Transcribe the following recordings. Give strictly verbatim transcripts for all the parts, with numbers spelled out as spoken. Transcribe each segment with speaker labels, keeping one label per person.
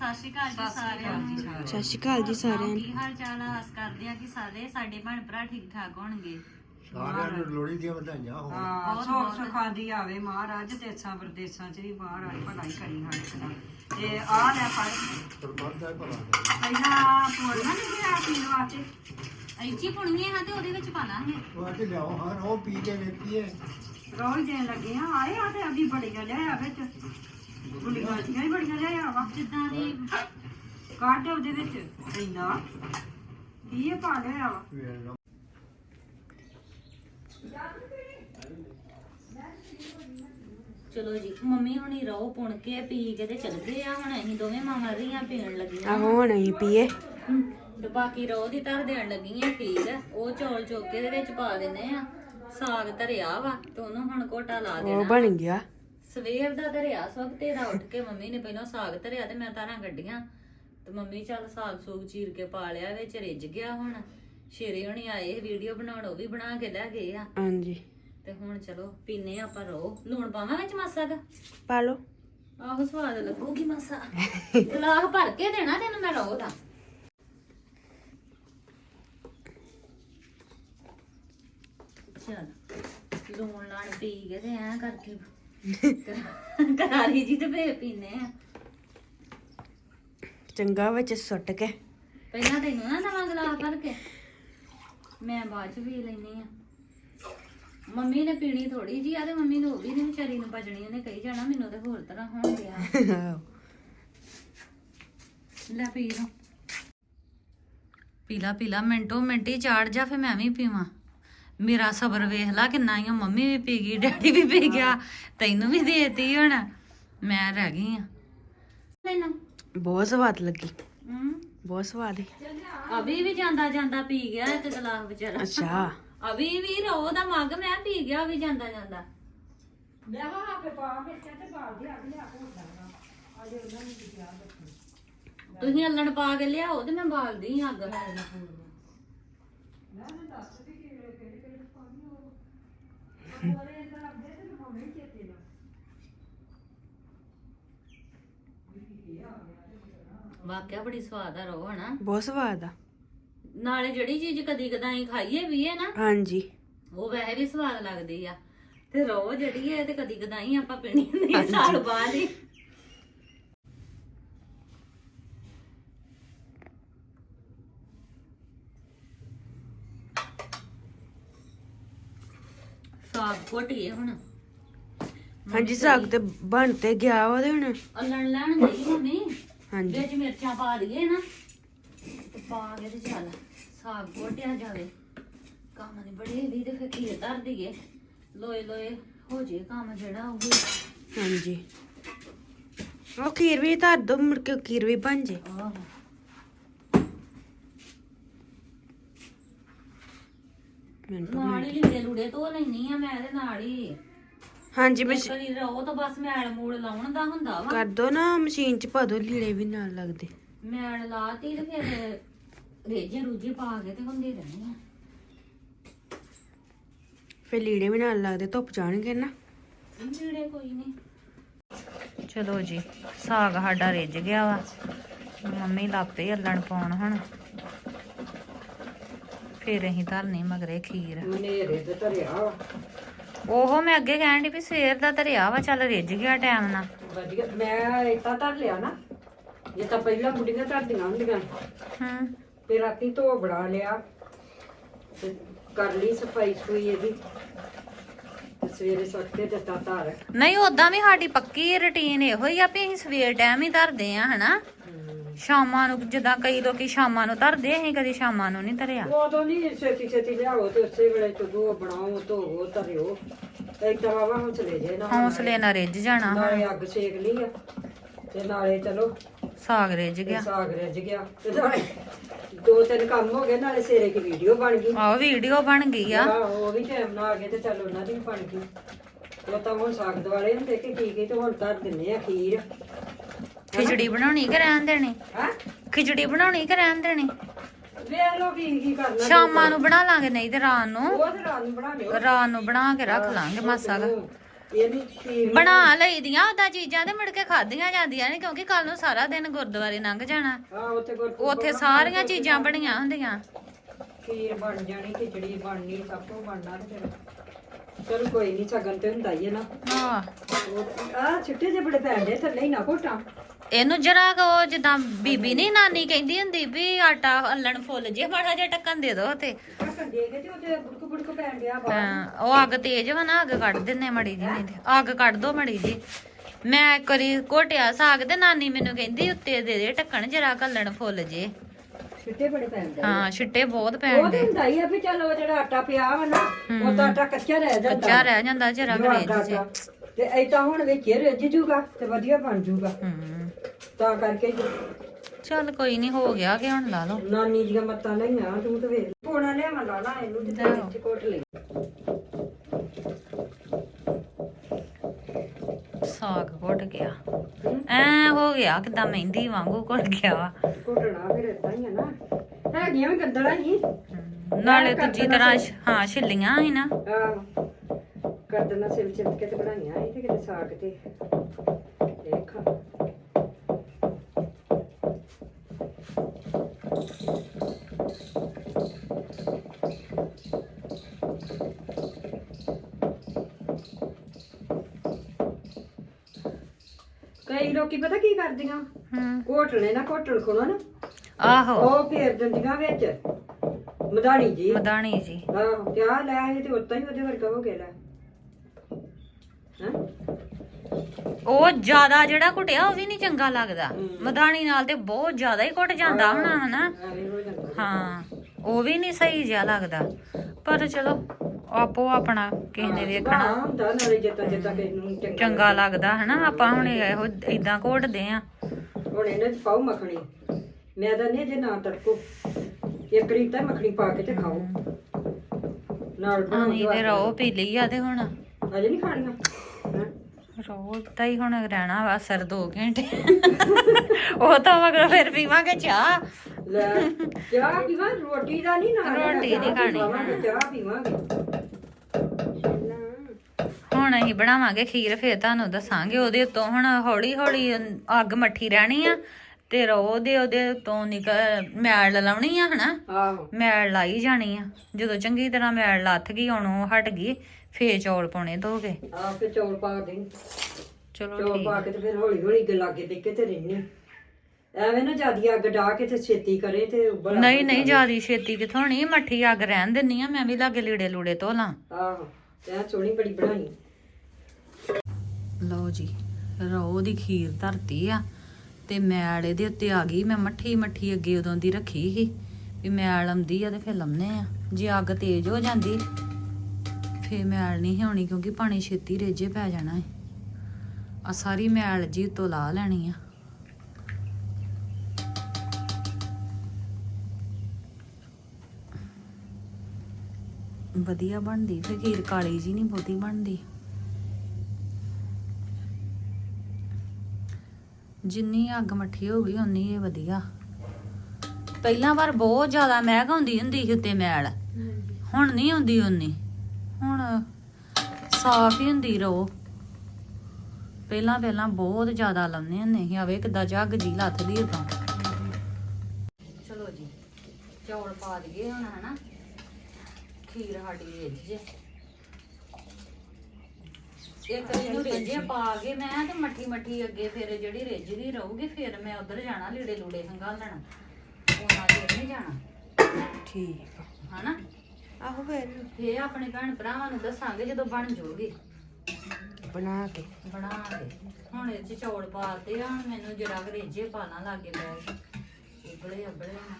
Speaker 1: ਸਤਿ ਸ਼੍ਰੀ ਅਕਾਲ ਜੀ ਸਾਰਿਆਂ ਨੂੰ।
Speaker 2: ਸਤਿ ਸ਼੍ਰੀ ਅਕਾਲ ਜੀ ਸਾਰਿਆਂ ਨੂੰ।
Speaker 1: ਕੀ ਹਾਲ ਚਾਲ ਆ? ਆਸ ਕਰਦੇ ਆ ਕਿ ਸਾਰੇ ਸਾਡੇ ਭੈਣ ਭਰਾ ਠੀਕ ਠਾਕ ਹੋਣਗੇ।
Speaker 3: ਸਾਰਿਆਂ ਨੂੰ ਲੋਹੜੀ ਦੀਆਂ ਵਧਾਈਆਂ ਹੋਣ।
Speaker 4: ਹਾਂ ਸੁੱਖ ਸੁਖਾਂਦੀ ਆਵੇ ਮਹਾਰਾਜ ਦੇਸਾਂ ਪ੍ਰਦੇਸਾਂ ਚ ਵੀ ਮਹਾਰਾਜ ਭਲਾਈ ਕਰੀ ਹਰ ਇੱਕ ਦਾ। ਤੇ ਆ ਲੈ ਫੜ
Speaker 3: ਸਰਬੱਤ ਦਾ ਹੀ ਭਲਾ ਕਰੇ।
Speaker 4: ਪਹਿਲਾਂ ਪੋੜਨਾ ਨਹੀਂ ਗਿਆ ਪੀਣ ਵਾਸਤੇ।
Speaker 1: ਐਚੀ ਪੁਣੀਏ ਹਾਂ ਤੇ ਉਹਦੇ ਵਿੱਚ ਪਾ ਲਾਂਗੇ।
Speaker 3: ਉਹ ਅੱਜ ਲਿਆਓ ਹਾਂ ਉਹ ਪੀ ਕੇ ਵੇਖੀਏ।
Speaker 4: ਰੋਜ਼ ਦੇਣ ਲੱਗੇ ਆ ਆਏ ਆ ਤੇ ਅਭੀ ਬੜੀਆਂ ਲਿਆ ਵਿੱਚ ਗੁਲੀਆਂ ਜੀਆਂ ਹੀ ਬੜੀਆਂ ਲਿਆ ਵਾ
Speaker 1: ਜਿੱਦਾਂ ਦੀ
Speaker 4: ਕੱਢ ਉਹਦੇ ਵਿੱਚ ਇੰਨਾ ਕੀ ਇਹ ਪਾ ਲਿਆ ਵਾ।
Speaker 3: ਵੇਖ ਲਓ।
Speaker 1: ਚਲੋ ਜੀ ਮੰਮੀ ਹੁਣੀ ਰੋ ਪੁਣ ਕੇ ਪੀ ਕੇ ਤੇ ਚਲ ਗਏ ਆ। ਹੁਣ ਅਸੀਂ ਦੋਵੇਂ ਮਾਮਾ ਰਹੀਆਂ ਪੀਣ ਲੱਗੀਆਂ।
Speaker 2: ਆਹੋ ਹੁਣ ਅਸੀਂ ਪੀਏ।
Speaker 1: ਤੇ ਬਾਕੀ ਰੋ ਦੀ ਧਰ ਦੇਣ ਲੱਗੀਆਂ ਖੀਰ। ਉਹ ਚੌਲ ਚੋਕੇ ਦੇ ਵਿੱਚ ਪਾ ਦਿੰਨੇ ਆ। ਸਾਗ ਧਰਿਆ ਵਾ ਤੇ ਉਹਨੂੰ ਹੁਣ ਘੋਟਾ ਲਾ
Speaker 2: ਉਹ
Speaker 1: ਦੇਣਾ।
Speaker 2: ਬਣ ਗਿਆ।
Speaker 1: ਸਵੇਰ ਦਾ ਧਰਿਆ ਸਵਖ ਤੇਰਾ ਉੱਠ ਕੇ ਮੰਮੀ ਨੇ ਪਹਿਲਾਂ ਸਾਗ ਧਰਿਆ ਤੇ ਮੈਂ ਤਾਰਾਂ ਕੱਢੀਆਂ ਤੇ ਮੰਮੀ ਚੱਲ ਸਾਗ ਸੂਗ ਚੀਰ ਕੇ ਪਾ ਲਿਆ ਵਿੱਚ ਰਿੱਝ ਗਿਆ। ਹੁਣ ਸ਼ੇਰੇ ਹੁਣੀ ਆਏ ਵੀਡੀਓ ਬਣਾਉਣ ਉਹ ਵੀ ਬਣਾ ਕੇ ਲੈ ਗਏ ਆ।
Speaker 2: ਹਾਂਜੀ
Speaker 1: ਤੇ ਹੁਣ ਚਲੋ ਪੀਨੇ ਆਪਾਂ ਰੋ। ਲੂਣ ਪਾਵਾਂ ਵਿੱਚ ਮਾਸਾ ਦਾ?
Speaker 2: ਪਾ ਲਓ।
Speaker 1: ਆਹੋ ਸਵਾਦ ਲੱਗੂਗੀ ਮਾਸਾ। ਗਲਾਸ ਭਰ ਕੇ ਦੇਣਾ ਤੈਨੂੰ ਮੈਂ ਰੋ ਦਾ। ਚਲ ਲੂਣ ਲਾਣ ਪੀ ਕੇ ਤੇ ਐ ਕਰਕੇ ਕਰਾਰੀ ਜੀ ਤੇ ਫੇਰ ਪੀਨੇ ਆ।
Speaker 2: ਚੰਗਾ ਵਿੱਚ ਸੁੱਟ ਕੇ।
Speaker 1: ਪਹਿਲਾਂ ਤੈਨੂੰ ਨਾ ਨਵਾਂ ਗਲਾਸ ਭਰ ਕੇ ਮੈਂ ਬਾਅਦ ਚ ਪੀ ਲੈਣੀ ਆ। ਮੰਮੀ ਨੇ ਪੀਣੀ ਥੋੜੀ ਜੀ ਆ ਤੇ ਮੰਮੀ ਨੂੰ ਉਹ ਵੀ ਨਹੀਂ ਵਿਚਾਰੀ ਨੂੰ ਭਜਣੀ। ਉਹਨੇ ਕਹੀ ਜਾਣਾ ਮੈਨੂੰ ਤੇ ਹੋਰ ਤਰ੍ਹਾਂ ਹੋਣ ਗਿਆ। ਲੈ ਪੀ ਲਓ। ਪੀਲਾ ਪੀਲਾ ਮਿੰਟੋ ਮਿੰਟੀ ਚਾੜ ਜਾ ਫੇ ਮੈਂ ਵੀ ਪੀਵਾਂ। ਮੇਰਾ ਸਬਰ ਵੇਖ ਲਾ ਕਿੰਨਾ ਹੀ ਆ। ਮੰਮੀ ਵੀ ਪੀ ਗਈ ਡੈਡੀ ਵੀ ਪੀ ਗਿਆ ਤੈਨੂੰ ਵੀ ਦੇਤੀ ਹੁਣ ਮੈਂ ਰਹਿ ਗਈ ਆ। ਮੈਨੂੰ
Speaker 2: ਬਹੁਤ ਸਵਾਦ ਲੱਗੀ।
Speaker 1: ਹੂੰ
Speaker 2: ਬਹੁਤ ਸਵਾਦ ਹੈ।
Speaker 1: ਅਭੀ ਵੀ ਜਾਂਦਾ ਜਾਂਦਾ ਪੀ ਗਿਆ ਇੱਕ ਗਲਾਸ ਵਿਚਾਰਾ।
Speaker 2: ਅੱਛਾ
Speaker 1: ਅਭੀ ਵੀ ਰੋ ਦਾ ਮੱਗ ਮੈਂ ਪੀ ਗਿਆ ਵੀ ਜਾਂਦਾ ਜਾਂਦਾ।
Speaker 4: ਮੈਂ ਹਾਂ ਆਪੇ ਪਾ ਕੇ ਤੇ ਬਾਲ ਦੀ ਅੱਗ ਲਿਆ ਕੇ ਹੁੰਦਾ ਅਜੇ ਉਹਨਾਂ ਨੂੰ ਕਿਹਾ ਦੱਸੋ।
Speaker 1: ਤੁਸੀਂ ਅੱਲਣ ਪਾ ਕੇ ਲਿਆਓ ਤੇ ਮੈਂ ਬਾਲਦੀ ਆਂ ਅੱਗ। ਵਾਕਿਆ ਬੜੀ ਸਵਾਦ ਆ ਰੋ ਹਨਾ।
Speaker 2: ਬਹੁਤ ਸਵਾਦ ਆ।
Speaker 1: ਨਾਲੇ ਜਿਹੜੀ ਚੀਜ਼ ਕਦੀ ਕਦਾਈ ਖਾਈਏ ਵੀ ਹੈ ਨਾ
Speaker 2: ਹਾਂਜੀ
Speaker 1: ਉਹ ਵੈਸੇ ਵੀ ਸਵਾਦ ਲੱਗਦੀ ਆ। ਤੇ ਰੋ ਜਿਹੜੀ ਹੈ ਤੇ ਕਦੀ ਕਦਾਈ ਆਪਾਂ ਪੀਣੀ ਹੁੰਦੀ ਆ ਸਾਲ ਬਾਅਦ ਹੀ। ਸਾਗ ਘੋਟੀਏ ਹੁਣ।
Speaker 2: ਹਾਂਜੀ ਸਾਗ ਤੇ ਬਣ ਤੇ ਗਿਆ ਵਾ ਤੇ ਹੁਣ
Speaker 1: ਅੱਲਣ ਲੈਣ ਗਈ ਮੰਮੀ।
Speaker 2: ਹਾਂਜੀ
Speaker 1: ਵਿੱਚ ਮਿਰਚਾਂ ਪਾ ਦਈਏ ਨਾ ਤੇ ਪਾ ਕੇ ਤੇ ਚੱਲ ਸਾਗ ਘੋਟਿਆ ਜਾਵੇ। ਕੰਮ ਨਹੀਂ ਬੜੇ ਵੀ ਤੇ ਫਿਰ ਖੀਰ ਧਰ ਦਈਏ। ਲੋਏ ਲੋਏ ਹੋ ਜੇ ਕੰਮ ਜਿਹੜਾ ਉਹ।
Speaker 2: ਹਾਂਜੀ ਉਹ ਖੀਰ ਵੀ ਧਰ ਦੋ ਮੁੜ ਕੇ ਖੀਰ ਵੀ ਬਣ ਜੇ।
Speaker 1: ਆਹੋ
Speaker 2: ਮਿੰਟੋ
Speaker 1: ਨਾਲ ਹੀ ਲੀੜੇ ਲੂੜੇ ਧੋ ਲੈਣੀ ਆ ਮੈਂ ਤੇ ਨਾਲ ਹੀ।
Speaker 2: ਹਾਂਜੀ ਮੈਂ
Speaker 1: ਕਰੀ ਰੋ ਤਾਂ ਬਸ ਮੈਲ ਮੂਲ ਲਾਉਣ ਦਾ ਹੁੰਦਾ ਵਾ।
Speaker 2: ਕਰ ਦੋ ਨਾ ਮਸ਼ੀਨ ਚ ਪਾ ਦੋ ਲੀੜੇ ਵੀ ਨਾਲ ਲੱਗਦੇ।
Speaker 1: ਮੈਲ ਲਾਤੀ ਤੇ ਫਿਰ ਰੇਜੇ ਰੂਜੇ ਪਾ ਕੇ ਤੇ ਹੁੰਦੇ ਰਹਿਣੇ ਆ।
Speaker 2: ਫਿਰ ਲੀੜੇ ਵੀ ਨਾਲ ਲੱਗਦੇ ਧੁੱਪ ਜਾਣਗੇ ਨਾ।
Speaker 1: ਲੀੜੇ ਕੋਈ ਨਹੀਂ। ਚਲੋ ਜੀ ਸਾਗ ਸਾਡਾ ਰਿੱਝ ਗਿਆ ਵਾ। ਮੰਮੀ ਲਾਪੇ ਅੱਲਣ ਪਾਉਣ ਹੁਣ। ਫਿਰ ਅਸੀਂ ਧਰਨੀ ਮਗਰੇ ਖੀਰ।
Speaker 4: ਮਨੇਰੇ ਤੇ ਧਰਿਆ ਵਾ
Speaker 1: ਉਹ ਮੈਂ ਅੱਗੇ ਕਹਿਣ ਦੀ ਵੀ ਸਵੇਰ ਦਾ ਧਰਿਆ ਵਾ ਚੱਲ ਰਿੱਝ ਗਿਆ ਟਾਈਮ ਨਾਲ।
Speaker 4: ਵਧੀਆ। ਮੈਂ ਇਤਾਂ ਧਰ ਲਿਆ ਨਾ ਜੇ ਤਾਂ ਪਹਿਲਾਂ ਬੁੱਢੀਆਂ ਧਰਦੀਆਂ ਹੁੰਦੀਆਂ
Speaker 1: ਹੂੰ
Speaker 4: ਤੇ ਰਾਤੀ ਧੋ ਬਣਾ ਲਿਆ ਤੇ ਕਰ ਲਈ ਸਫਾਈ ਸੂਈ ਇਹਦੀ ਤੇ ਸਵੇਰੇ ਸੱਤੇ ਤੇ ਤਾਂ ਧਰ।
Speaker 1: ਨਹੀਂ ਉਦਾਂ ਵੀ ਸਾਡੀ ਪੱਕੀ ਰੁਟੀਨ ਇਹੋ ਹੀ ਆ ਵੀ ਅਸੀਂ ਸਵੇਰ ਟਾਈਮ ਹੀ ਧਰਦੇ ਆ ਹਨਾ। ਸ਼ਾਮਾਂ ਨੂੰ ਜਿੱਦਾਂ ਕਈ ਲੋਕੀ ਸ਼ਾਮਾਂ ਨੂੰ ਧਰਦੇ ਅਸੀਂ ਕਦੀ ਸ਼ਾਮਾਂ ਨੂੰ ਨਹੀਂ ਧਰਿਆ।
Speaker 4: ਉਦੋਂ ਨਹੀਂ ਛੇਤੀ ਛੇਤੀ ਲਿਆਓ ਤੇ ਉਸੇ ਵੇਲੇ ਚੁਗੋ ਬਣਾਓ ਧੋਵੋ ਧਰਿਓ ਏਦਾਂ ਵਾਵਾ ਹੌਸਲੇ ਜੇ ਨਾ
Speaker 1: ਹੌਸਲੇ ਨਾਲ ਰਿੱਝ ਜਾਣਾ।
Speaker 4: ਨਾਲੇ ਅੱਗ ਸੇਕ ਲਈ ਆ ਤੇ ਨਾਲੇ ਚਲੋ
Speaker 1: ਸਾਗ ਰਿੱਝ ਗਿਆ।
Speaker 4: ਸਾਗ ਰਿੱਝ ਗਿਆ ਤੇ ਨਾਲੇ ਦੋ ਤਿੰਨ ਕੰਮ ਹੋ ਗਏ ਨਾਲੇ ਸੇਰੇ ਦੀ ਵੀਡੀਓ ਬਣ ਗਈ।
Speaker 1: ਆਹ ਵੀਡੀਓ ਬਣ ਗਈ ਆ।
Speaker 4: ਆਹ ਉਹ ਵੀ ਟਾਈਮ ਨਾਲ ਆ ਗਏ ਤੇ ਚੱਲ ਉਹਨਾਂ ਦੀ ਵੀ ਬਣ ਗਈ। ਉਹ ਤਾਂ ਹੁਣ ਸਾਗ ਦੁਆਲੇ ਹੁੰਦੇ ਕਿ ਠੀਕ ਹੈ ਤੇ ਹੁਣ ਧਰ ਦਿੰਨੇ ਆ ਖੀਰ।
Speaker 1: ਖਿਚੜੀ ਬਣਾਉਣੀ ਕਿ ਰਹਿਣ ਦੇਣੀ?
Speaker 4: ਹੈ
Speaker 1: ਖਿਚੜੀ ਬਣਾਉਣੀ ਕਿ ਰਹਿਣ ਦੇਣੀ?
Speaker 4: ਵੇਖ ਲੋ ਕੀ ਕੀ ਕਰਨਾ।
Speaker 1: ਸ਼ਾਮਾਂ ਨੂੰ ਬਣਾ ਲਾਂਗੇ ਨਹੀਂ ਤੇ ਰਾਤ ਨੂੰ।
Speaker 4: ਉਹ ਤੇ ਰਾਤ ਨੂੰ ਬਣਾ ਲਿਓ।
Speaker 1: ਰਾਤ ਨੂੰ ਬਣਾ ਕੇ ਰੱਖ ਲਾਂਗੇ ਮਾਸਾ ਕੁ।
Speaker 4: ਇਹ ਨਹੀਂ ਖੀਰ
Speaker 1: ਬਣਾ ਲਈਦੀਆਂ ਉਹਦਾ ਚੀਜ਼ਾਂ ਤੇ ਮੁੜ ਕੇ ਖਾਧੀਆਂ ਜਾਂਦੀਆਂ ਨੇ ਕਿਉਂਕਿ ਕੱਲ ਨੂੰ ਸਾਰਾ ਦਿਨ ਗੁਰਦੁਆਰੇ ਲੰਘ ਜਾਣਾ।
Speaker 4: ਆ ਉੱਥੇ ਗੁਰ
Speaker 1: ਉੱਥੇ ਸਾਰੀਆਂ ਚੀਜ਼ਾਂ ਬਣੀਆਂ ਹੁੰਦੀਆਂ।
Speaker 4: ਖੀਰ ਬਣ ਜਾਣੀ, ਖਿਚੜੀ ਬਣਨੀ, ਸਭ ਕੁਝ ਬਣਨਾ ਤੇ ਫਿਰ ਚਲ ਕੋਈ ਨਹੀਂ, ਸਗਨ ਤੇ ਹੁੰਦਾ ਹੀ ਹੈ ਨਾ।
Speaker 1: ਆਹ
Speaker 4: ਆ ਛਿੱਟੇ ਜਿਹੇ ਬੜੇ ਪੈਂਦੇ ਥੱਲੇ ਹੀ ਨਾ ਘੋਟਾਂ।
Speaker 1: ਇਹਨੂੰ ਜਰਾ ਕੋ ਜਿੱਦਾਂ ਬੀਬੀ ਨੀ ਨਾਨੀ ਕਹਿੰਦੀ ਹੁੰਦੀ ਵੀ ਆਟਾ ਹੱਲਣ ਫੁੱਲ ਜੇ ਮਾੜਾ ਜਿਹਾ ਟੱਕਣ ਦੇ ਦੋ ਤੇ
Speaker 4: ਢੱਕਣ ਦੇ ਕੇ ਤੇ ਉਹਦੇ ਬੁੜਕ ਬੁੜਕ ਪੈਣ ਡਿਆ ਬਾਹਰ।
Speaker 1: ਹਾਂ, ਉਹ ਅੱਗ ਤੇਜ਼ ਵਾ ਨਾ, ਅੱਗ ਕੱਢ ਦਿੰਨੇ ਮੜੀ ਜੀ, ਨਹੀਂ ਤੇ ਅੱਗ ਕੱਢ ਦੋ ਮੜੀ ਜੀ। ਮੈਂ ਇੱਕ ਵਾਰੀ ਘੋਟਿਆ ਸਾਗ ਤੇ ਨਾਨੀ ਮੈਨੂੰ ਕਹਿੰਦੀ ਉੱਤੇ ਦੇ ਦੇ ਢੱਕਣ ਜਰਾ ਕੱਲਣ ਫੁੱਲ ਜੇ।
Speaker 4: ਛਿੱਟੇ ਬੜੇ ਪੈਂਦੇ
Speaker 1: ਹਾਂ, ਛਿੱਟੇ ਬਹੁਤ
Speaker 4: ਉਹ
Speaker 1: ਪੈਣ
Speaker 4: ਤਾਂ
Speaker 1: ਦੇ।
Speaker 4: ਹੁੰਦਾ ਹੀ ਆ ਵੀ ਚੱਲ ਉਹ ਜਿਹੜਾ ਆਟਾ ਪਿਆ ਵਾ ਨਾ ਉਹ ਤਾਂ ਆਟਾ ਕੱਚਾ ਰਹਿ ਜਾਂਦਾ।
Speaker 1: ਕੱਚਾ ਰਹਿ ਜਾਂਦਾ ਜਰਾ
Speaker 4: ਜੋ
Speaker 1: ਗਰੇਜ
Speaker 4: ਆਟਾ
Speaker 1: ਜੇ।
Speaker 4: ਤੇ ਏਦਾਂ ਹੁਣ ਵਿੱਚ ਇਹ ਰਿੱਝ ਜੂਗਾ ਤੇ ਵਧੀਆ ਬਣ ਜੂਗਾ।
Speaker 1: ਹੂੰ,
Speaker 4: ਤਾਂ ਕਰਕੇ
Speaker 1: ਚੱਲ ਕੋਈ ਨਹੀਂ, ਹੋ ਗਿਆ ਕਿ ਹੁਣ ਲਾ ਲਓ।
Speaker 4: ਨਾਨੀ ਦੀਆਂ ਮੱਤਾਂ ਲਈਆਂ ਤੂੰ ਤੇ ਵੇਖ ਪੋਣਾ ਲਿਆਵਾਂ ਲਾ ਲਾ ਇਹਨੂੰ ਤੇ ਵਿੱਚ ਕੋਟ ਲਈ।
Speaker 1: ਸਾਗ ਘੁੱਟ ਗਿਆ ਐ ਹੋ ਗਿਆ ਕਿਦਾਂ ਮਹਿੰਦੀ ਵਾਂਗੂ ਘੁੱਟ ਗਿਆ ਵਾ।
Speaker 4: ਘੋਟਣਾ ਫਿਰ ਏਦਾਂ ਹੀ ਆ ਨਾ, ਹੈਗੀਆਂ ਵੀ ਗੰਦਲਾਂ ਹੀ
Speaker 1: ਨਾਲੇ ਦੂਜੀ ਤਰ੍ਹਾਂ ਛ- ਹਾਂ ਛਿੱਲੀਆਂ ਸੀ ਨਾ।
Speaker 4: ਆਹ ਕਰਦਣਾ ਸਿਲ ਸਿਲ ਕੇ ਤੇ ਬਣਾਈਆਂ ਇਹ ਤੇ ਕਿਤੇ ਸਾਗ ਤੇ ਦੇਖ ਕਈ ਲੋਕੀ ਪਤਾ ਕੀ ਕਰਦੀਆਂ,
Speaker 1: ਹੂੰ,
Speaker 4: ਘੋਟਣੇ ਨਾ ਘੋਟਣ ਖੋਣਾ ਨਾ
Speaker 1: ਆਹੋ
Speaker 4: ਉਹ ਫੇਰ ਦਿੰਦੀਆਂ ਵਿੱਚ ਮਧਾਣੀ ਜੀ।
Speaker 1: ਮਦਾਣੀ ਜੀ।
Speaker 4: ਆਹੋ ਤੇ ਆਹ ਲੈ ਇਹ ਤੇ ਉੱਤਾਂ ਹੀ ਉਹਦੇ ਵਰਗਾ ਹੋ ਗਿਆ ਲੈ। ਹੈਂ
Speaker 1: ਉਹ ਜ਼ਿਆਦਾ ਜਿਹੜਾ ਘੁੱਟਿਆ ਉਹ ਵੀ ਨਹੀਂ ਚੰਗਾ ਲੱਗਦਾ। ਮਦਾਣੀ ਨਾਲ ਤੇ ਬਹੁਤ ਜ਼ਿਆਦਾ ਹੀ ਘੁੱਟ ਜਾਂਦਾ ਹੋਣਾ ਹਨਾ।
Speaker 4: ਐਵੇਂ ਹੋ ਜਾਂਦਾ।
Speaker 1: ਹਾਂ, ਉਹ ਵੀ ਨਹੀਂ ਸਹੀ ਜਿਹਾ ਲੱਗਦਾ। ਪਰ ਚਲੋ ਆਪੋ ਆਪਣਾ ਕਿਸੇ ਨੇ ਵੇਖਣਾ
Speaker 4: ਹਾਂ ਹੁੰਦਾ ਨਾਲੇ ਜਿੱਦਾਂ ਜਿੱਦਾਂ ਕਿਸੇ ਨੂੰ ਚੰਗਾ
Speaker 1: ਚੰਗਾ ਲੱਗਦਾ ਹਨਾ। ਆਪਾਂ ਹੁਣ ਇਹੋ ਇਦਾਂ ਘੋਟਦੇ ਆ।
Speaker 4: ਹੁਣ ਇਹਨਾਂ ਚ ਪਾਓ ਮੱਖਣੀ, ਮੈਂ ਤਾਂ ਨਹੀਂ ਜੇ ਨਾ ਤੜਕੋ ਇੱਕ ਰੀ ਤਾਂ ਮੱਖਣੀ ਪਾ ਕੇ ਤੇ ਖਾਓ ਨਾਲ ਬਣਾਓ।
Speaker 1: ਅਸੀਂ ਤੇ ਰੋ ਪੀ ਲਈ ਆ ਤੇ ਹੁਣ
Speaker 4: ਅਜੇ ਨਹੀਂ ਖਾਣੀਆਂ ਹੈਂ?
Speaker 1: ਰੋ ਤਾਂ ਹੀ ਹੁਣ ਰਹਿਣਾ ਵਾ ਸਰ ਦੋ ਘੰਟੇ। ਉਹ ਤਾਂ ਮਗਰ ਫਿਰ ਪੀਵਾਂਗੇ ਚਾਹ।
Speaker 4: ਲੈ ਚਾਹ ਪੀਵਾਂ, ਰੋਟੀ ਦਾ ਨਹੀਂ ਨਾ
Speaker 1: ਰੋਟੀ ਨੀ ਖਾਣੀ।
Speaker 4: ਚਾਹ ਪੀਵਾਂਗੇ।
Speaker 1: ਹੁਣ ਅਸੀਂ ਬਣਾਵਾਂਗੇ ਖੀਰ, ਫਿਰ ਤੁਹਾਨੂੰ ਦੱਸਾਂਗੇ। ਉਹਦੇ ਉੱਤੋਂ ਹੁਣ ਹੌਲੀ ਹੌਲੀ ਅੱਗ ਮੱਠੀ ਰਹਿਣੀ ਆ ਤੇ ਰੋ ਦੇ ਉਹਦੇ ਉੱਤੋਂ ਨਿਕਲ ਮੈਲ ਲਾਉਣੀ ਆ ਹਨਾ।
Speaker 4: ਆਹੋ
Speaker 1: ਮੈਲ ਲਾਈ ਜਾਣੀ ਆ। ਜਦੋਂ ਚੰਗੀ ਤਰ੍ਹਾਂ ਮੈਲ ਲੱਥ ਗਈ, ਹੁਣ ਉਹ ਹਟ ਗਈ, ਫੇਰ ਚੌਲ ਪਾਉਣੇ ਧੋ ਕੇ।
Speaker 4: ਆਹ ਫਿਰ ਚੌਲ ਪਾ ਦੇ,
Speaker 1: ਚਲੋ
Speaker 4: ਚੌਲ
Speaker 1: ਠੀਕ
Speaker 4: ਪਾ ਕੇ ਤੇ ਫਿਰ ਹੌਲੀ ਹੌਲੀ ਲਾਗੇ ਦੇ ਕੇ ਤੇ ਰਹਿਣੀ। ਐਵੇਂ ਨਾ ਜਿਆਦੀ ਅੱਗ ਡਾ ਕੇ ਤੇ ਛੇਤੀ ਕਰੇ ਤੇ ਉਬਲ
Speaker 1: ਨਹੀਂ ਨਹੀਂ, ਜਿਆਦੀ ਛੇਤੀ ਕਿਥੋਂ ਹੋਣੀ, ਮੱਠੀ ਅੱਗ ਰਹਿਣ ਦਿੰਨੀ ਆ। ਮੈਂ ਵੀ ਲਾਗੇ ਲੀੜੇ ਲੂੜੇ ਧੋ ਲਾਂ।
Speaker 4: ਆਹੋ ਐ ਸੋਹਣੀ ਬੜੀ ਬਣਾਈ।
Speaker 1: ਲਓ ਜੀ, ਰੋ ਦੀ ਖੀਰ ਧਰਤੀ ਆ ਤੇ ਮੈਲ ਇਹਦੇ ਉੱਤੇ ਆ ਗਈ। ਮੈਂ ਮੱਠੀ ਮੱਠੀ ਅੱਗੇ ਉਦੋਂ ਦੀ ਰੱਖੀ ਸੀ ਵੀ ਮੈਲ ਆਉਂਦੀ ਆ ਤੇ ਫਿਰ ਲੰਮਨੇ ਆ। ਜੇ ਅੱਗ ਤੇਜ਼ ਹੋ ਜਾਂਦੀ ਫੇਰ ਮੈਲ ਨਹੀਂ ਹੋਣੀ ਕਿਉਂਕਿ ਪਾਣੀ ਛੇਤੀ ਰੇਜੇ ਪੈ ਜਾਣਾ ਹੈ। ਆ ਸਾਰੀ ਮੈਲ ਜੀ ਉੱਤੋਂ ਲਾ ਲੈਣੀ ਆ। ਵਧੀਆ ਬਣਦੀ ਫਿਰ ਖੀਰ, ਕਾਲੀ ਜੀ ਨਹੀਂ ਬਹੁਤੀ ਬਣਦੀ। ਜਿੰਨੀ ਅੱਗ ਮੱਠੀ ਹੋ ਗਈ ਓਨੀ ਇਹ ਵਧੀਆ। ਪਹਿਲਾਂ ਵਾਰ ਬਹੁਤ ਜ਼ਿਆਦਾ ਮਹਿਕ ਆਉਂਦੀ ਹੁੰਦੀ ਸੀ ਉੱਤੇ ਮੈਲ, ਹੁਣ ਨਹੀਂ ਆਉਂਦੀ ਓਨੀ। ਹੁਣ ਸਾਫ਼ ਹੀ ਹੁੰਦੀ ਰਹੋ। ਪਹਿਲਾਂ ਪਹਿਲਾਂ ਬਹੁਤ ਜ਼ਿਆਦਾ ਲਾਉਂਦੇ ਹੁੰਦੇ ਸੀ। ਆਵੇ ਕਿੱਦਾਂ ਝੱਗ ਜੀ ਲੱਥਦੀ ਉਦੋਂ। ਚਲੋ ਜੀ, ਚੌਲ ਪਾ ਦਈਏ ਹੁਣ ਹਨਾ। ਖੀਰ ਸਾਡੀ ਰਿੱਝ ਜੇ ਇੱਕ ਇਹਨੂੰ ਰੇਜੇ ਪਾ ਕੇ ਮੈਂ ਤੇ ਮੱਠੀ ਮੱਠੀ ਅੱਗੇ ਫਿਰ ਜਿਹੜੀ ਰਿੱਝਦੀ ਰਹੂਗੀ ਫਿਰ ਮੈਂ ਉਧਰ ਜਾਣਾ ਲੀੜੇ ਲੂੜੇ ਹੰਗਾਲਣਾ। ਉਹਨਾਂ ਦੇ ਨਹੀਂ ਜਾਣਾ।
Speaker 2: ਠੀਕ ਆ।
Speaker 1: ਹਨਾ
Speaker 2: ਆਹੋ ਫਿਰ
Speaker 1: ਇਹ ਆਪਣੇ ਭੈਣ ਭਰਾਵਾਂ ਨੂੰ ਦੱਸਾਂਗੇ ਜਦੋਂ ਬਣ ਜਾਊਗੀ
Speaker 2: ਬਣਾ ਕੇ।
Speaker 1: ਬਣਾ ਕੇ। ਹੁਣ ਇਹ ਚ ਚੌਲ ਪਾਤੇ ਆ। ਹੁਣ ਮੈਨੂੰ ਜਰਾ ਰੇਜੇ ਪਾਣਾ ਲਾਗੇ ਬੈ ਕੇ ਉਬਲੇ ਉਬਲੇ ਨਾ।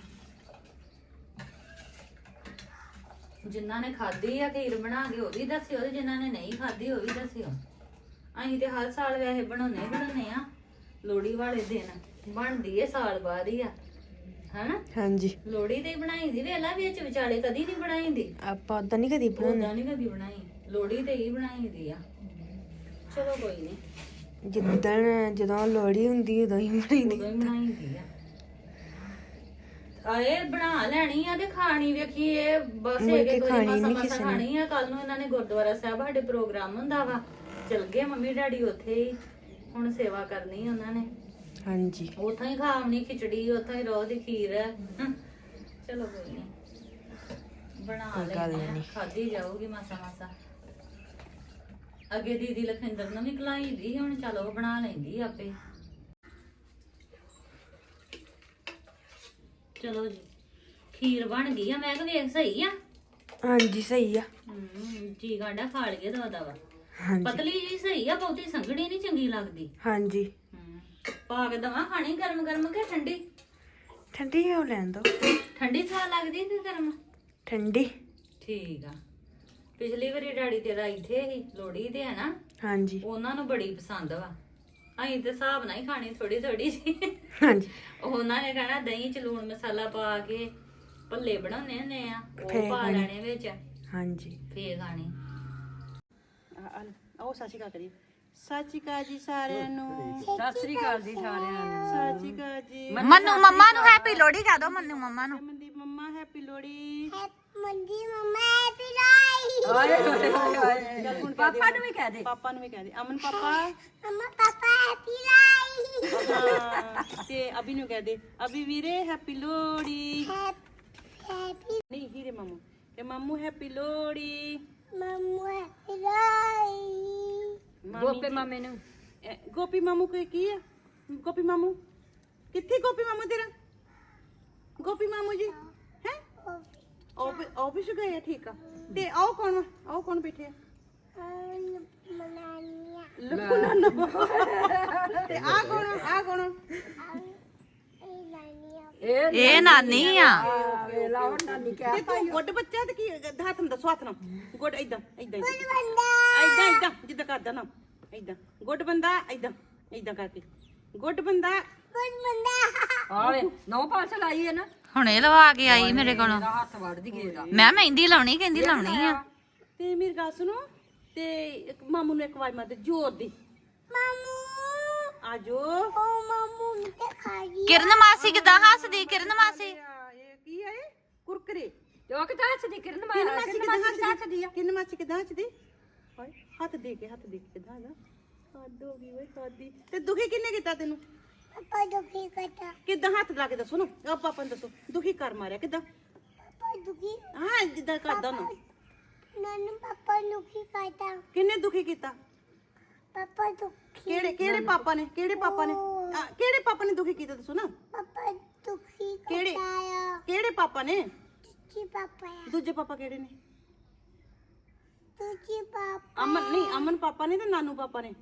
Speaker 1: ਜਿਨ੍ਹਾਂ ਨੇ ਖਾਧੀ ਆ ਖੀਰ ਬਣਾ ਕੇ ਉਹ ਵੀ ਦੱਸਿਓ ਤੇ ਜਿਨ੍ਹਾਂ ਨੇ ਨਹੀਂ ਖਾਧੀ ਉਹ ਵੀ ਦੱਸਿਓ। ਅਸੀਂ ਤੇ ਹਰ ਸਾਲ ਵੈਸੇ ਬਣਾਉਣੇ ਬਣਾਉਣੇ ਆ। ਲੋਹੜੀ ਵਾਲੇ ਦਿਨ ਬਣਦੀ ਏ, ਸਾਲ ਬਾਅਦ ਹੀ ਆ ਹਨਾ।
Speaker 2: ਹਾਂਜੀ,
Speaker 1: ਲੋਹੜੀ ਤੇ ਹੀ ਬਣਾਈ ਦੀ, ਵੇਲਾ ਵਿੱਚ ਵਿਚਾਲੇ ਕਦੀ ਨਹੀਂ ਬਣਾਈ ਦੀ।
Speaker 2: ਆਪਾਂ ਉਦਾਂ ਨਹੀਂ ਕਦੀ ਬਣਾਉਂਦੇ।
Speaker 1: ਉਦਾਂ ਨਹੀਂ ਕਦੀ ਬਣਾਈ, ਲੋਹੜੀ ਤੇ ਹੀ ਬਣਾਈ ਦੀ ਆ। ਚਲੋ ਕੋਈ ਨਹੀਂ,
Speaker 2: ਜਿੱਦਣ ਜਦੋਂ ਲੋਹੜੀ ਹੁੰਦੀ ਉਦੋਂ ਹੀ ਬਣਾਈਦੀ।
Speaker 1: ਉਦੋਂ ਹੀ ਬਣਾਈ ਦੀ ਆ। ਆਏ ਬਣਾ ਲੈਣੀ ਆ ਤੇ ਖਾਣੀ ਵੇਖੀ ਇਹ ਬਸ
Speaker 2: ਮੁੜ
Speaker 1: ਇੱਕ
Speaker 2: ਕੇ
Speaker 1: ਇੱਕ ਵਾਰੀ
Speaker 2: ਖਾਣੀ
Speaker 1: ਮਸਾ
Speaker 2: ਨੀ
Speaker 1: ਮਸਾ
Speaker 2: ਕਿਸੇ ਨੇ।
Speaker 1: ਖਾਣੀ ਆ। ਕੱਲ ਨੂੰ ਇਹਨਾਂ ਨੇ ਗੁਰਦੁਆਰਾ ਸਾਹਿਬ ਸਾਡੇ ਪ੍ਰੋਗਰਾਮ ਹੁੰਦਾ ਵਾ ਚਲ ਗਏ ਮੰਮੀ ਡੈਡੀ ਉੱਥੇ ਹੀ, ਹੁਣ ਸੇਵਾ ਕਰਨੀ ਉਹਨਾਂ ਨੇ।
Speaker 2: ਹਾਂਜੀ
Speaker 1: ਉੱਥੋਂ ਹੀ ਖਾਵਣੀ ਖਿਚੜੀ, ਉੱਥੋਂ ਹੀ ਰੋਹ ਦੀ ਖੀਰ ਹੈ। ਚਲੋ ਕੋਈ ਨਹੀਂ, ਬਣਾ
Speaker 2: ਕੋਈ ਗੱਲ
Speaker 1: ਲੈਂਦੇ
Speaker 2: ਨੀ।
Speaker 1: ਆ, ਖਾਧੀ ਜਾਊਗੀ ਮਾਸਾ ਮਾਸਾ। ਅੱਗੇ ਦੀਦੀ ਲਖਿੰਦਰ ਨੂੰ ਵੀ ਖਲਾਈ ਦੀ, ਹੁਣ ਚਲੋ ਉਹ ਬਣਾ ਲੈਂਦੀ ਆਪੇ। ਚਲੋ ਜੀ, ਖੀਰ ਬਣ ਗਈ ਆ। ਮੈਂ ਕਿਹਾ ਵੇਖ ਸਹੀ ਆ।
Speaker 2: ਹਾਂਜੀ ਸਹੀ ਆ।
Speaker 1: ਹੂੰ ਜੀ ਗਾਂਡਾ ਖਾ ਲਈਏ ਦੋ ਦਵਾ।
Speaker 2: ਹਾਂਜੀ
Speaker 1: ਪਤਲੀ ਜੀ ਸਹੀ ਆ, ਬਹੁਤੀ ਸੰਘਣੀ ਨਹੀਂ ਚੰਗੀ ਲੱਗਦੀ।
Speaker 2: ਹਾਂਜੀ
Speaker 1: ਹੂੰ ਪਾ ਕੇ ਦਵਾ ਖਾਣੀ ਗਰਮ ਗਰਮ ਕਿ ਠੰਡੀ?
Speaker 2: ਠੰਡੀ ਹੋ ਲੈਣ ਦੋ।
Speaker 1: ਠੰਡੀ ਸਵਾਦ ਲੱਗਦੀ ਕਿ ਗਰਮ?
Speaker 2: ਠੰਡੀ।
Speaker 1: ਠੀਕ ਆ। ਪਿਛਲੀ ਵਾਰੀ ਡੈਡੀ ਤੇਰਾ ਇੱਥੇ ਹੀ ਲੋੜੀ ਤੇ ਹੈ ਨਾ,
Speaker 2: ਹਾਂਜੀ
Speaker 1: ਉਹਨਾਂ ਨੂੰ ਬੜੀ ਪਸੰਦ ਵਾ। ਅਸੀਂ ਤੇ ਹਿਸਾਬ ਨਾਲ ਹੀ ਖਾਣੀ ਥੋੜੀ ਥੋੜੀ ਜੀ।
Speaker 2: ਹਾਂਜੀ
Speaker 1: ਉਹਨਾਂ ਨੇ ਕਹਿਣਾ ਦਹੀਂ ਚ ਲੂਣ ਮਸਾਲਾ ਪਾ ਕੇ ਭੱਲੇ ਬਣਾਉਣੇ ਹੁੰਦੇ ਆ,
Speaker 2: ਫੇਰ
Speaker 1: ਉਹ ਪਾ
Speaker 2: ਖਾਣੀ।
Speaker 1: ਲੈਣੇ ਵਿੱਚ,
Speaker 2: ਹਾਂਜੀ
Speaker 1: ਫੇਰ ਖਾਣੀ।
Speaker 5: ਉਹ ਸਤਿ ਸ਼੍ਰੀ ਅਕਾਲ ਕਰੀ। ਸਤਿ ਸ਼੍ਰੀ ਅਕਾਲ ਜੀ ਸਾਰਿਆਂ ਨੂੰ।
Speaker 4: ਸਤਿ ਸ੍ਰੀ ਅਕਾਲ ਜੀ ਸਾਰਿਆਂ ਨੂੰ।
Speaker 5: ਸਤਿ ਸ਼੍ਰੀ ਅਕਾਲ ਜੀ।
Speaker 2: ਮੰਨੂ ਮੰਮਾ ਨੂੰ ਹੈਪੀ ਲੋਹੜੀ ਕਹਿ ਦੋ। ਮੰਨੂ ਮੰਮਾ ਨੂੰ
Speaker 5: ਮਨਦੀਪ ਮੰਮਾ ਹੈਪੀ ਲੋਹੜੀ।
Speaker 4: ਹਾਏ ਹਾਏ ਹਾਏ
Speaker 5: ਚੱਲ ਹੁਣ ਕਹਿ ਦੇ।
Speaker 4: ਪਾਪਾ ਨੂੰ ਵੀ ਕਹਿ ਦੇ।
Speaker 5: ਪਾਪਾ ਨੂੰ ਵੀ ਕਹਿ ਦੇ। ਅਮਨ ਪਾਪਾ। ਹਾਂ, ਤੇ ਅਭੀ ਨੂੰ ਕਹਿ ਦੇ। ਅਭੀ ਵੀਰੇ ਹੈਪੀ ਲੋਹੜੀ। ਨਹੀਂ ਹੀਰੇ ਮਾਮੂ ਤੇ ਮਾਮੂ ਹੈਪੀ ਲੋਹੜੀ।
Speaker 4: ਗੋਪੇ ਮਾਮੇ ਨੂੰ।
Speaker 5: ਇਹ ਗੋਪੀ ਮਾਮੂ ਕੋਈ ਕੀ ਹੈ? ਗੋਪੀ ਮਾਮੂ ਕਿੱਥੇ? ਗੋਪੀ ਮਾਮੂ ਤੇਰਾ? ਗੋਪੀ ਮਾਮੂ ਜੀ ਹੈ ਆਫਿਸ ਗਏ ਆ। ਠੀਕ ਆ। ਤੇ ਆਓ ਕੌਣ? ਆਓ ਕੌਣ ਬੈਠੇ ਆ? ਲੱਕੂ ਨਾਨਾ। ਤੇ ਆ ਕੌਣ? ਆ ਕੌਣ?
Speaker 2: ਇਹ ਨਾਨੀ ਆ।
Speaker 4: ਵੇਲਾ ਹੁਣ ਨਾਨੀ ਕਹਿ
Speaker 5: ਤੇ ਤੂੰ ਗੁੱਡ ਬੱਚਾ ਤੇ ਕੀ ਹੱਥ ਨੂੰ ਦੱਸੋ। ਹੱਥ ਨਾਲ ਗੁੱਡ ਏਦਾਂ ਏਦਾਂ ਏਦਾਂ ਏਦਾਂ ਜਿੱਦਾਂ ਕਰਦਾ ਨਾ ਏਦਾਂ। ਗੁੱਡ ਬੰਦਾ ਏਦਾਂ ਏਦਾਂ ਕਰਕੇ। ਗੁੱਡ ਬੰਦਾ।
Speaker 4: ਆਲੇ ਨੌ ਪਾਸ ਲਾਈ ਹੈ ਨਾ।
Speaker 2: ਹੁਣੇ ਲਵਾ ਕੇ ਆਈ ਮੇਰੇ ਕੋਲੋਂ।
Speaker 4: ਮੇਰਾ ਹੱਥ ਵੜਦੀ ਗਏਗਾ।
Speaker 2: ਮੈਂ ਮਹਿੰਦੀ ਲਾਉਣੀ, ਕਹਿੰਦੀ ਲਾਉਣੀ ਆ।
Speaker 5: ਤੇ ਮੇਰੀ ਗੱਲ ਸੁਣੋ, ਤੇ ਇੱਕ ਮਾਮੂ ਨੂੰ ਇੱਕ ਆਵਾਜ਼ ਮਾਰ ਦੇ ਜ਼ੋਰ ਦੀ। ਮਾਮੂ ਆਜੋ।
Speaker 2: ਕਿਰਨ ਮਾਸੀ ਕਿਦਾਂ ਹੱਸਦੀ? ਕਿਰਨ ਮਾਸੀ
Speaker 5: ਇਹ ਕੀ ਹੈ? ਕੁਰਕਰੇ।
Speaker 4: ਉਹ ਕਿਦਾਂ ਹੱਸਦੀ ਕਿਰਨ
Speaker 5: ਕਿੰਨ
Speaker 4: ਮਾਰ
Speaker 5: ਮਾਸੀ ਕਿਦਾਂ ਹੱਸਦੀ ਆ? ਕਿੰਨ ਮਾਸੀ ਕਿਦਾਂ ਹੱਸਦੀ? ਹਾਏ ਹੱਥ ਦੇ ਕੇ ਹੱਥ ਦੇ ਕੇ ਕਿਦਾਂ ਨਾ ਹੱਦ ਹੋ ਗਈ ਓਏ ਖਾਦੀ। ਤੇ ਦੁਖੀ ਕਿੰਨੇ ਕੀਤਾ ਤੈਨੂੰ? ਪਾਪਾ ਦੁਖੀ ਕਰਤਾ। ਕਿਦਾਂ ਹੱਥ ਲਾ ਕੇ ਦੱਸੋ ਨਾ। ਆ ਪਾਪਾ ਨੂੰ ਦੱਸੋ ਦੁਖੀ ਕਰ ਮਾਰਿਆ ਕਿਦਾਂ? ਪਾਪਾ ਦੁਖੀ। ਹਾਂ ਜਿੱਦਾਂ ਕਰਦਾ ਨਾ।
Speaker 6: ਨਾਨੂ ਪਾਪਾ ਦੁਖੀ ਕਰਤਾ।
Speaker 5: ਕਿੰਨੇ ਦੁਖੀ ਕੀਤਾ?
Speaker 6: ਪਾਪਾ ਦੁਖੀ।
Speaker 5: ਕਿਹੜੇ ਕਿਹੜੇ ਪਾਪਾ ਨੇ? ਕਿਹੜੇ ਪਾਪਾ ਨੇ? ਆ, ਕਿਹੜੇ ਪਾਪਾ ਨੇ ਦੁਖੀ ਕੀਤਾ ਦੱਸੋ ਨਾ।
Speaker 6: ਪਾਪਾ ਦੁਖੀ
Speaker 5: ਕਿਹੜੇ?
Speaker 6: ਕਰਤਾ।
Speaker 5: ਕਿਹੜੇ ਪਾਪਾ ਨੇ?
Speaker 6: ਤੁਝੀ ਪਾਪਾ ਆ।
Speaker 5: ਦੂਜੇ ਪਾਪਾ ਕਿਹੜੇ ਨੇ?
Speaker 6: ਤੁਝੀ ਪਾਪਾ।
Speaker 5: ਅਮਨ ਨਹੀਂ, ਅਮਨ ਪਾਪਾ ਨੇ ਤੇ ਨਾਨੂ ਪਾਪਾ ਨੇ।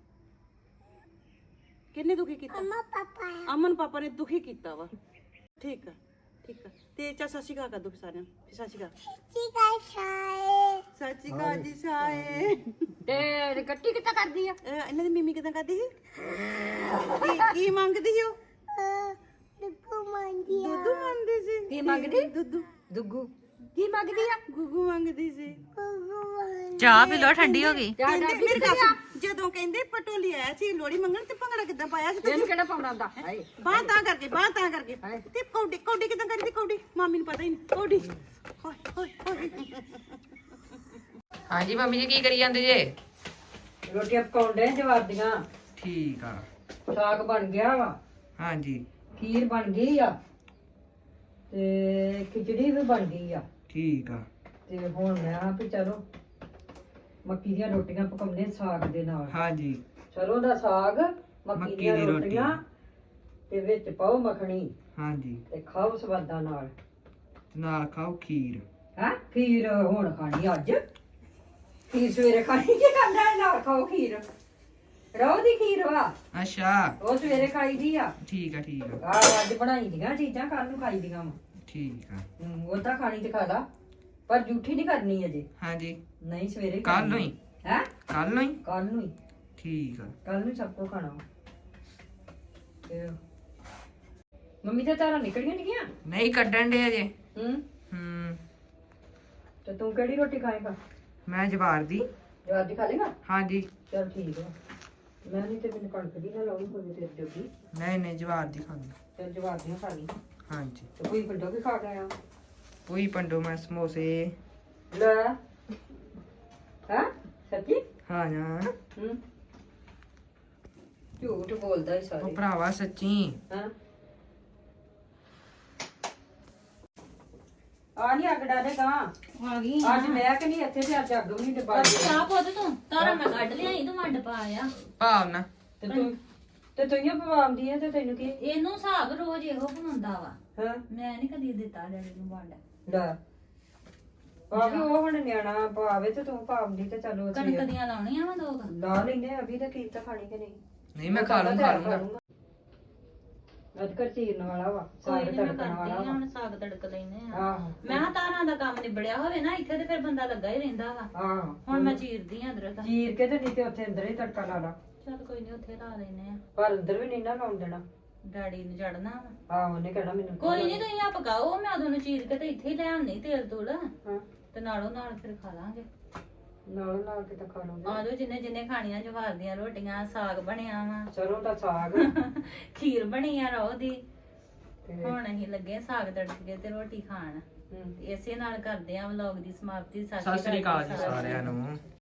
Speaker 5: ਕਿੰਨੇ ਦੁਖੀ ਕੀਤਾ?
Speaker 6: ਅਮਾ ਪਾਪਾ ਆ।
Speaker 5: ਅਮਨ ਪਾਪਾ ਨੇ ਦੁਖੀ ਕੀਤਾ ਵਾ। ਠੀਕ ਆ ਠੀਕ ਆ। ਤੇ ਚਾ ਸਤਿ ਸ਼੍ਰੀ ਅਕਾਲ ਕਰ ਦੋ ਸਾਰਿਆਂ ਨੂੰ। ਸਤਿ ਸ਼੍ਰੀ ਅਕਾਲ।
Speaker 6: ਤੁਝੀ ਕਾ ਛਾਏ।
Speaker 5: ਸਤਿ ਸ਼੍ਰੀ ਅਕਾਲ ਜੀ ਸਾਰੇ।
Speaker 4: ਤੇ ਕੱਟੀ ਕਿੱਦਾਂ ਕਰਦੀ ਆ?
Speaker 5: ਅਹ ਇਹਨਾਂ ਦੀ ਮੀਮੀ ਕਿਦਾਂ ਕਰਦੀ ਸੀ? ਕੀ ਕੀ ਮੰਗਦੀ ਸੀ ਉਹ?
Speaker 6: ਦੁੱਗੂ ਮੰਦੀ ਆ।
Speaker 5: ਦੁੱਧੂ ਮੰਗਦੀ ਸੀ।
Speaker 4: ਕੀ ਮੰਗਦੀ?
Speaker 5: ਦੁੱਧੂ।
Speaker 4: ਦੁੱਗੂ ਕੀ ਮੰਗਦੀ ਆ?
Speaker 5: ਗੁੱਗੂ ਮੰਗਦੀ ਸੀ।
Speaker 6: ਗੁੱਗੂ ਮੰਦੀ।
Speaker 2: ਚਾਹ ਪੀ ਲੋ, ਠੰਡੀ ਹੋ ਗਈ।
Speaker 4: ਚਾਹ
Speaker 5: ਕਹਿੰਦੇ
Speaker 4: ਡਾਬੀ
Speaker 5: ਮੇਰੇ
Speaker 4: ਕਿੱਥੇ
Speaker 5: ਘਰ
Speaker 4: ਆ?
Speaker 5: ਜਦੋਂ ਕਹਿੰਦੇ ਪਟੋਲੀ ਆਇਆ ਸੀ ਲੋੜੀ ਮੰਗਣ ਤੇ ਭੰਗੜਾ ਕਿੱਦਾਂ ਪਾਇਆ ਸੀ ਤੁਸੀਂ?
Speaker 4: ਇਹਨੂੰ ਕਿਹੜਾ ਪਾਉਣਾ ਹੁੰਦਾ? ਹਾਏ
Speaker 5: ਬਾਹ ਤਾਂ ਕਰਕੇ ਬਾਹ ਤਾਂ ਕਰਕੇ
Speaker 4: ਹਾਏ।
Speaker 5: ਤੇ ਕੌਡੀ ਕੌਡੀ ਕਿਦਾਂ ਕਰਦੀ? ਕੌਡੀ ਮਾਮੀ ਨੂੰ ਪਤਾ ਹੀ ਨਹੀਂ। ਕੌਡੀ ਹੋਏ ਹੋਏ ਹੋਏ।
Speaker 2: ਹਾਂਜੀ ਮੰਮੀ ਜੀ ਕੀ ਕਰੀ ਜਾਂਦੇ ਜੇ?
Speaker 4: ਰੋਟੀਆਂ ਪਕਾਉਣ ਦੇ ਜਵਾਬ ਦੀਆਂ।
Speaker 2: ਠੀਕ ਆ।
Speaker 4: ਸਾਗ ਬਣ ਗਿਆ ਵਾ।
Speaker 2: ਹਾਂਜੀ
Speaker 4: ਖੀਰ ਬਣ ਗਈ ਆ ਤੇ ਖਿਚੜੀ ਵੀ ਬਣ ਗਈ ਆ।
Speaker 2: ਠੀਕ ਆ।
Speaker 4: ਤੇ ਹੁਣ ਮੈਂ ਆ ਵੀ ਚਲੋ ਮੱਕੀ ਦੀਆਂ ਰੋਟੀਆਂ ਪਕਾਉਂਦੇ ਸਾਗ ਦੇ ਨਾਲ।
Speaker 2: ਹਾਂਜੀ
Speaker 4: ਸਰੋਂ ਦਾ ਸਾਗ, ਮੱਕੀ
Speaker 2: ਮੱਕੀ
Speaker 4: ਦੀਆਂ
Speaker 2: ਦੀ ਰੋਟੀ।
Speaker 4: ਰੋਟੀਆਂ ਤੇ ਵਿੱਚ ਪਾਓ ਮੱਖਣੀ
Speaker 2: ਹਾਂਜੀ
Speaker 4: ਤੇ ਖਾਓ ਸਵਾਦਾਂ ਨਾਲ।
Speaker 2: ਨਾਲ ਖਾਓ ਖੀਰ।
Speaker 4: ਹੈ ਖੀਰ ਹੁਣ ਖਾਣੀ ਅੱਜ? ਖੀਰ ਸਵੇਰੇ ਖਾਣੀ ਕੀ ਕਰਨਾ ਹੈ? ਨਾਲ ਖਾਓ ਖੀਰ। ਰੋਹ ਦੀ ਖੀਰ ਵਾ,
Speaker 2: ਅੱਛਾ
Speaker 4: ਉਹ ਸਵੇਰੇ ਖਾਈ ਦੀ ਆ।
Speaker 2: ਠੀਕ ਆ ਠੀਕ ਆ
Speaker 4: ਆ ਅੱਜ ਬਣਾਈ ਦੀਆਂ ਚੀਜ਼ਾਂ ਕੱਲ ਨੂੰ ਖਾਈ ਦੀਆਂ ਵਾ।
Speaker 2: ਠੀਕ ਆ।
Speaker 4: ਹੂੰ, ਉਹ ਤਾਂ ਖਾਣੀ ਤੇ ਖਾ ਲਾ, ਪਰ ਜੂਠੀ ਨਹੀਂ ਕਰਨੀ ਅਜੇ।
Speaker 2: ਹਾਂਜੀ
Speaker 4: ਨਹੀਂ ਸਵੇਰੇ
Speaker 2: ਕੱਲ ਨੂੰ ਹੀ?
Speaker 4: ਹੈ
Speaker 2: ਕੱਲ ਨੂੰ ਹੀ?
Speaker 4: ਕੱਲ ਨੂੰ ਹੀ।
Speaker 2: ਠੀਕ ਆ।
Speaker 4: ਕੱਲ ਨੂੰ ਸਭ ਕੋ ਖਾਣਾ ਵਾ। ਤੇ ਮੰਮੀ ਤਾਂ ਤਾਰਾਂ ਨਿਕਲੀਆਂ ਨਹੀਂ ਗਿਆ।
Speaker 2: ਨਹੀਂ ਕੱਢਣ ਦੇ ਅਜੇ।
Speaker 4: ਹੂੰ
Speaker 2: ਹੂੰ
Speaker 4: ਤੇ ਤੂੰ ਕਿਹੜੀ ਰੋਟੀ ਖਾਏਗਾ?
Speaker 2: ਮੈਂ ਜਵਾਰ ਦੀ।
Speaker 4: ਜਵਾਬ ਦੀ ਖਾ ਲੇਗਾ?
Speaker 2: ਹਾਂਜੀ
Speaker 4: ਚਲ ਠੀਕ ਆ। ਮੈਂ ਨਹੀਂ ਤੇ ਮੈਨੂੰ ਕਣਕ ਦੀ ਨਾ ਲਾਉਣੀ ਹੋਵੇ ਤੇਰੇ ਜੋਗੀ।
Speaker 2: ਨਹੀਂ ਨਹੀਂ ਜਵਾਰ ਦੀ ਖਾਣੀ।
Speaker 4: ਤੇ ਜਵਾਬ ਦੀਆਂ ਖਾ ਲਈ।
Speaker 2: ਹਾਂਜੀ
Speaker 4: ਤੇ ਕੋਈ ਪਿੰਡੋਂ ਵੀ ਖਾ ਗਿਆ।
Speaker 2: ਪੂਈ ਪੰਡੋ ਮੈਂ ਸਮੋਸੇ।
Speaker 4: ਲੈ ਹੈ ਸੱਚੀ?
Speaker 2: ਹਾਂ ਨਾ
Speaker 4: ਹੂੰ ਝੂਠ ਬੋਲਦਾ ਹੀ
Speaker 2: ਉਹ
Speaker 4: ਸਾਰੇ
Speaker 2: ਭਰਾਵਾ ਸੱਚੀ
Speaker 4: ਹਾਂ ਆ ਨਹੀਂ ਅੱਗ ਡਾਲੇ ਗਾ
Speaker 1: ਆ ਗਈ
Speaker 4: ਅੱਜ ਮੈਂ ਕਿ ਨਹੀਂ ਇੱਥੇ ਤੇ ਅੱਜ ਅੱਗ ਵੀ ਨਹੀਂ ਡਬਾ
Speaker 1: ਚਾਹ ਪੁੱਤ ਤੂੰ ਤਾਰਾ ਮੈਂ ਕੱਢ ਲਿਆਈ ਤੂੰ ਵੰਡ ਪਾ ਆ
Speaker 2: ਭਾਵਨਾ
Speaker 4: ਤੇ ਤੂੰ ਤੇ ਤੂੰ ਹੀ ਪਵਾਉਂਦੀ ਹੈ ਤੇ ਤੈਨੂੰ ਕੀ
Speaker 1: ਇਹਨੂੰ ਹਿਸਾਬ ਰੋਜ਼ ਇਹੋ ਬਣਾਉਂਦਾ ਵਾ
Speaker 4: ਹਾਂ
Speaker 1: ਮੈਂ ਨਹੀਂ ਕਦੀ ਦਿੱਤਾ ਡੈਡੀ ਨੂੰ ਵੰਡ
Speaker 4: ਲੈ ਆ ਵੀ ਉਹ ਹੁਣ ਨਿਆਣਾ ਪਾਵੇ ਤੇ ਤੂੰ ਪਾਉਂਦੀ ਤੇ ਚਲੋ ਅਸੀਂ
Speaker 1: ਕਣਕ ਦੀਆਂ ਲਾਉਣੀਆਂ ਵਾ ਦੋ ਕੁ।
Speaker 4: ਲਾ ਲੈਨੇ ਅਭੀ ਤਾਂ ਕੀ ਤਾਂ ਖਾਣੀ ਕਿ ਨਹੀਂ
Speaker 2: ਨਹੀਂ ਮੈਂ ਖਾ ਲੂੰ ਖਾ ਲੂੰਗਾ
Speaker 4: ਅੱਜ ਕਰ ਚੀਰਨ ਵਾਲਾ ਵਾ
Speaker 1: ਕੋਈ
Speaker 4: ਸਾਗ
Speaker 1: ਨੀ ਮੈਂ
Speaker 4: ਤੜਕਣ
Speaker 1: ਕਰਦੀ
Speaker 4: ਵਾਲਾ
Speaker 1: ਆ
Speaker 4: ਵਾ
Speaker 1: ਹੁਣ ਸਾਗ ਤੜਕ ਲੈਨੇ ਆ
Speaker 4: ਆਹੋ
Speaker 1: ਮੈਂ ਕਿਹਾ ਤਾਰਾਂ ਦਾ ਕੰਮ ਨਿਬੜਿਆ ਹੋਵੇ ਨਾ ਇੱਥੇ ਤੇ ਫਿਰ ਬੰਦਾ ਲੱਗਾ ਹੀ ਰਹਿੰਦਾ ਵਾ
Speaker 4: ਆਹੋ
Speaker 1: ਹੁਣ ਮੈਂ ਚੀਰਦੀ ਆ ਅਦਰਕ
Speaker 4: ਚੀਰ ਕੇ ਤੇ ਨਹੀਂ ਤੇ ਉੱਥੇ ਅੰਦਰ ਹੀ ਤੜਕਾ ਲਾ ਲਾ
Speaker 1: ਚਲ ਕੋਈ ਨਹੀਂ ਉੱਥੇ ਲਾ ਲੈਨੇ ਆ
Speaker 4: ਪਰ ਅੰਦਰ ਵੀ ਨਹੀਂ ਨਾ ਲਾਉਣ ਦੇਣਾ
Speaker 1: ਡੈਡੀ ਨੂੰ ਚੜਨਾ ਵਾ
Speaker 4: ਆਹੋ ਉਹਨੇ ਕਹਿਣਾ ਮੈਨੂੰ
Speaker 1: ਕੋਈ ਨਹੀਂ ਤੁਸੀਂ ਆ ਪਕਾਓ ਮੈਂ ਉਦੋਂ ਨੂੰ ਚੀਰ ਕੇ ਤੇ ਇੱਥੇ ਹੀ ਲੈ ਆਉਣੀ ਤੇਲ ਤੂਲ
Speaker 4: ਹਾਂ
Speaker 1: ਤੇ ਨਾਲੋਂ ਨਾਲ ਫਿਰ ਖਾ ਲਾਂਗੇ
Speaker 4: ਨਾਲ ਨਾਲ ਕੇ ਤਾਂ ਖਾ ਲਵਾਂਗੇ
Speaker 1: ਆ ਜਾਓ ਜਿੰਨੇ ਜਿੰਨੇ ਖਾਣੀਆਂ ਜਵਾਰ ਦੀਆਂ ਰੋਟੀਆਂ ਸਾਗ ਬਣਿਆ ਵਾ
Speaker 4: ਸਰੋਂ ਦਾ ਸਾਗ
Speaker 1: ਖੀਰ ਬਣੀ ਆ ਰੋ ਦੀ
Speaker 4: ਤੇ
Speaker 1: ਹੁਣ ਅਸੀਂ ਲੱਗੇ ਸਾਗ ਤੜਕ ਕੇ ਤੇ ਰੋਟੀ ਖਾਣ
Speaker 4: ਹੂੰ
Speaker 1: ਤੇ ਇਸੇ ਨਾਲ ਕਰਦੇ ਆ ਵਲੌਗ ਦੀ ਸਮਾਪਤੀ।
Speaker 2: ਸਤਿ ਸ੍ਰੀ ਅਕਾਲ ਜੀ ਸਾਰਿਆਂ ਨੂੰ।